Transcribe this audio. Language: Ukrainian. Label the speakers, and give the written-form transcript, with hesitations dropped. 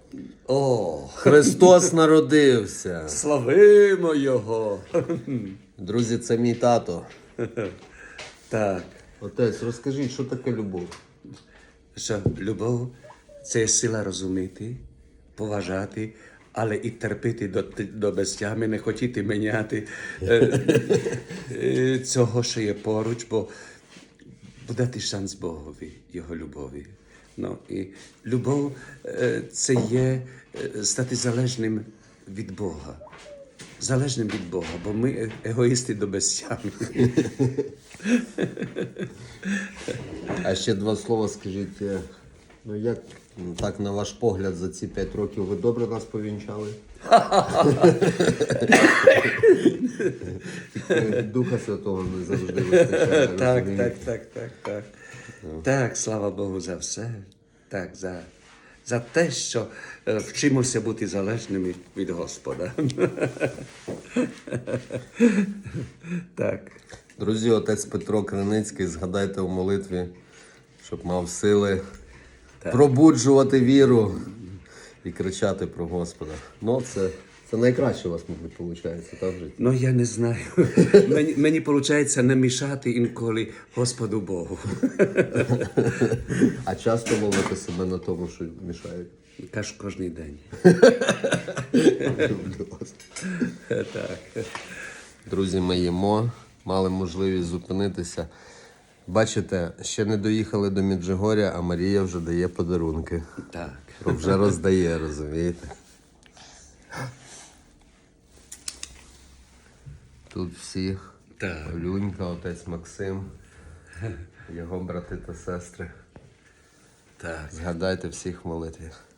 Speaker 1: О,
Speaker 2: Христос народився.
Speaker 1: славимо Його.
Speaker 2: Друзі, це мій тато.
Speaker 1: Так,
Speaker 2: Отець, розкажіть, що таке любов?
Speaker 1: що любов – це сила розуміти, поважати, але і терпіти до безтями, не хотіти міняти цього, що є поруч, бо дати шанс Богові, Його любові. Ну, і любов – це є стати залежним від Бога. Залежним від Бога, бо ми егоїсти до безтями.
Speaker 2: А ще два слова скажіть. Ну як, так на ваш погляд, за ці 5 років ви добре нас повінчали? Духа Святого не завжди вистачає.
Speaker 1: Так.
Speaker 2: розумієте?
Speaker 1: Так, слава Богу за все. Так, за те, що вчимося бути залежними від Господа. Так.
Speaker 2: Друзі, отець Петро Криницький, згадайте у молитві, щоб мав сили пробуджувати віру і кричати про Господа. Ну, це найкраще у вас, мабуть, виходить, так, в житті?
Speaker 1: Ну, я не знаю. Мені виходить не мішати інколи Господу Богу.
Speaker 2: А часто ловите себе на тому, що мішають?
Speaker 1: Кожний день.
Speaker 2: Люблю вас.
Speaker 1: Так.
Speaker 2: Друзі, ми їмо, мали можливість зупинитися. Бачите, ще не доїхали до Меджигоря, а Марія вже дає подарунки.
Speaker 1: Так.
Speaker 2: Вже роздає, розумієте? Тут всі.
Speaker 1: Так.
Speaker 2: Олюнька, отець Максим, його брати та сестри.
Speaker 1: Так.
Speaker 2: Згадайте всіх в молитві.